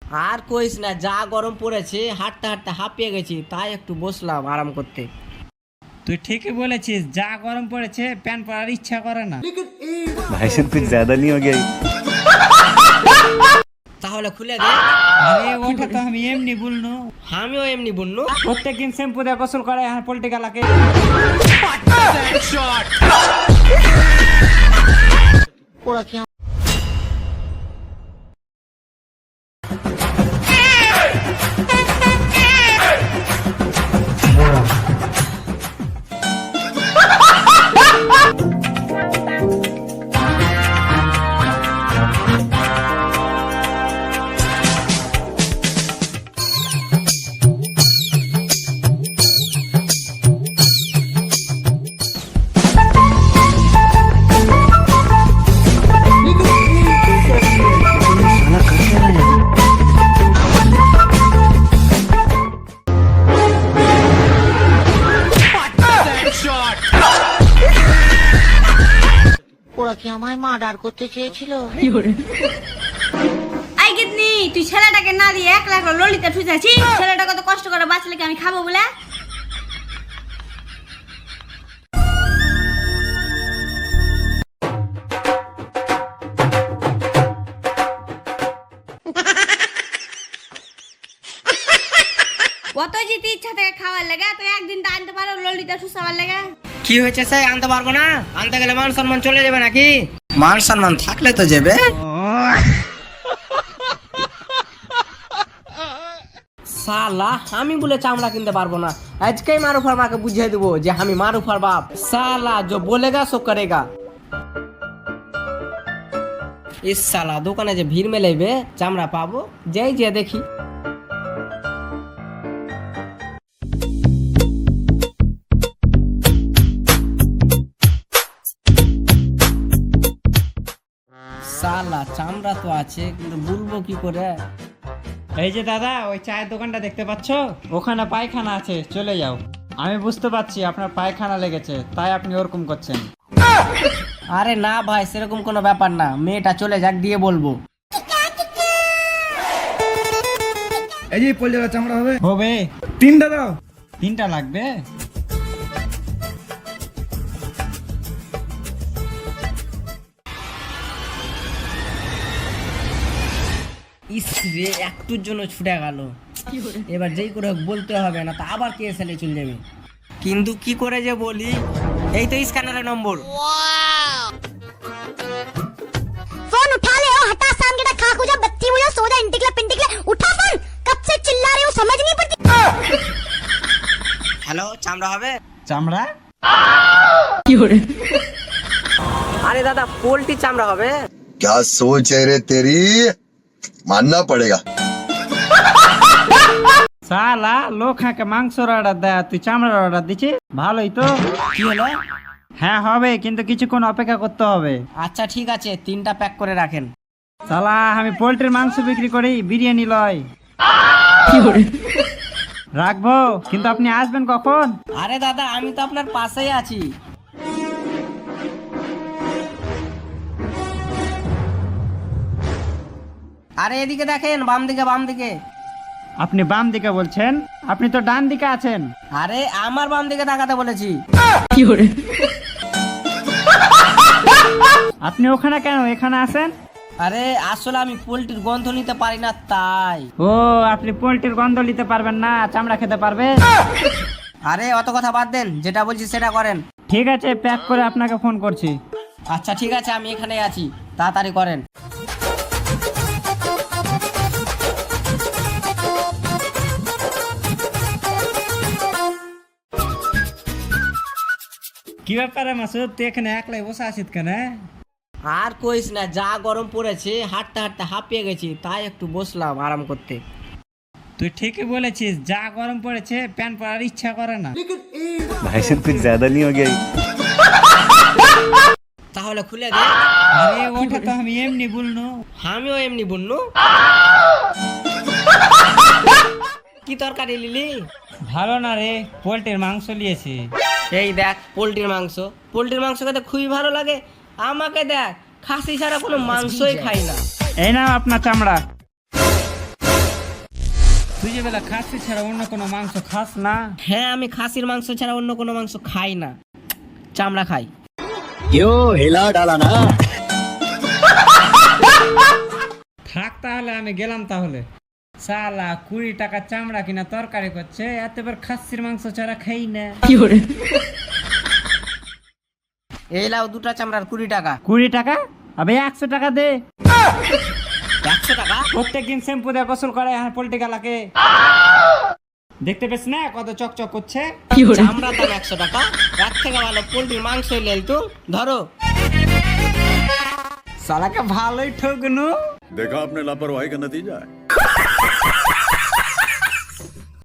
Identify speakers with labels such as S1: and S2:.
S1: আর কইস না, যা গরম পড়েছে, হাঁটতে হাঁটতে হাঁপিয়ে গেছি, তাই একটু বসলাম আরাম করতে।
S2: তুই ঠিকই বলেছিস, যা গরম পড়েছে প্যান্ট পরার ইচ্ছা করে না।
S3: भाई साहब कुछ ज्यादा नहीं हो गया?
S1: তাহলে খুলে দে।
S2: আরে ওটা তো আমি এমনি বলনু,
S1: আমিও এমনি বললু।
S2: প্রত্যেকদিন শ্যাম্পু দিয়ে গোসল করে আর পলিটিক্যালাকে।
S4: ওরা কি আমায় মার্ডার করতে চেয়েছিল?
S5: আই গিতনি, তুই ছেলেটাকে না দিয়ে 1 লাখ ললিতা ঠুচাছি। ছেলেটা কত কষ্ট করে বাঁচলে কি আমি খাবো বলে? কত যেতে ইচ্ছা থেকে খাওয়ার লেগে তো একদিন তো আনতে পারো ললিতা ঠুসাবার লেগে।
S1: কি হয়েছে স্যার, আনতে পারবো না? আনতে গেলে মান সম্মান চলে যাবে নাকি? মান সম্মান থাকলে তো যাবে। সালা, আমি বলে চামড়া কিনতে পারবো না, আজকেই মারুফার মাকে বুঝিয়ে দেবো যে আমি মারুফার বাপ। সালা जो बोलेगा सो करेगा। इस साला দোকানে যে ভিড় মেলাইবে, চামড়া পাবো যাই যে দেখি। সালা চামড়া তো আছে, কিন্তু বলবো কি করে?
S2: এই যে দাদা, ওই চায়ের দোকানটা দেখতে পাচ্ছ, ওখানে পায়খানা আছে, চলে যাও। আমি বুঝতে পারছি আপনার পায়খানা লেগেছে, তাই আপনি ওরকম করছেন।
S1: আরে না ভাই, সেরকম কোনো ব্যাপার না, মেয়েটা চলে যাক দিয়ে বলবো।
S6: এই যে পলিটা চামড়া হবে
S2: হবে।
S6: 3টা দাও।
S2: 3টা লাগবে?
S1: ইস রে, একটুর জন্য ছুটে গেল। এবার যেই করে হোক বলতে হবে, না তা আবার কে এসে চলে যাবে। কিন্তু কি করে যে বলি? এই তো স্ক্যানারের নম্বর।
S4: फोन उठा ले ओ हटा शाम के टाइम खाक हो जा बत्ती हुई हो सो जा इंटिकला उठा फोन, कब से चिल्ला रहे हो समझ नहीं पड़ती।
S1: হ্যালো, চামড়া হবে?
S2: চামড়া?
S1: আরে দাদা, পোল্ট্রি চামড়া হবে?
S7: क्या सोच है रे तेरी, मानना पड़ेगा।
S2: সালা, লোক হাঁকে মাংসর অর্ডার দেয়, তুই চামড়ার অর্ডার দিচ্ছি? ভালোই তো।
S1: কি হলো?
S2: হ্যাঁ হবে, কিন্তু কিছুক্ষণ অপেক্ষা করতে হবে।
S1: আচ্ছা ঠিক আছে, 3টা প্যাক করে রাখেন।
S2: সালা, আমি পোল্ট্রির মাংস বিক্রি করি, বিরিয়ানি লয়। রাখবো, কিন্তু আপনি আসবেন কখন?
S1: আরে দাদা, আমি তো আপনার পাশেই আছি। আরে এদিকে দেখেন, বাম দিকে বাম দিকে।
S2: আপনি বাম দিকে বলছেন? আপনি তো ডান দিকে আছেন।
S1: আরে আমার বাম দিকে তাকাতে বলেছি।
S2: আপনি ওখানে কেন, এখানে আসেন?
S1: আরে আসলে আমি পোল্ট্রির গন্ধ নিতে পারি না, তাই।
S2: ও, আপনি পোল্ট্রির গন্ধ নিতে পারবেন না, চামড়া খেতে পারবেন?
S1: আরে অত কথা বাদ দেন, যেটা বলছি সেটা করেন।
S2: ঠিক আছে, প্যাক করে আপনাকে ফোন করছি।
S1: আচ্ছা ঠিক আছে, আমি এখানেই আছি, তাড়াতাড়ি করেন।
S2: কি ব্যাপারে মাসুদ, তুই এখানে একলাই বসে আছিস কেন?
S1: আর কইস না, যা গরম পড়েছে, হাঁটতে হাঁটতে হাঁপিয়ে গেছি, তাই একটু বসলাম আরাম করতে।
S2: তুই ঠিকই বলেছিস, যা গরম পড়েছে প্যান্ট পরার ইচ্ছা করে না।
S3: भाई साहब कुछ ज्यादा नहीं हो गया?
S1: তাহলে খুলে দে।
S2: আরে ওটা তো আমি এমনি বলনু,
S1: আমিও এমনি বললু। কি তরকারি লিলি?
S2: ভালো না রে, পোল্ট্রির মাংস নিয়েছি।
S1: এই দেখ পোল্ট্রির মাংস। পোল্ট্রির মাংস খেতে খুবই ভালো লাগে। আমাকে দেখ, খাসি ছাড়া কোনো মাংসই খাই না।
S2: এই নাও আপনার চামড়া। তুই যে বেলা খাসি ছাড়া অন্য কোনো মাংস খাস না?
S1: হ্যাঁ, আমি খাসির মাংস ছাড়া অন্য কোনো মাংস খাই না, চামড়া খাই।
S2: থাক তাহলে, আমি গেলাম তাহলে। সালা 20 টাকা চামড়া কিনা তরকারি করছে, এতবার খাসির মাংস ছাড়া খাই না।
S1: এই লাও 2টা চামড়ার 20 টাকা।
S2: 20 টাকা? আবে 100 টাকা দে।
S1: 100 টাকা?
S2: প্রত্যেকদিন শ্যাম্পু দিয়ে গোসল করে হ্যাঁ পোল্ট্রি গালাকে, দেখতে পেছ না কত চকচক করছে?
S1: চামড়ার দাম 100 টাকা, এর থেকে ভালো পোল্ট্রির মাংস লেল তো ধরো।
S2: সালাকে ভালোই ঠকনু।
S8: देखा आपने लापरवाही का नतीजा है।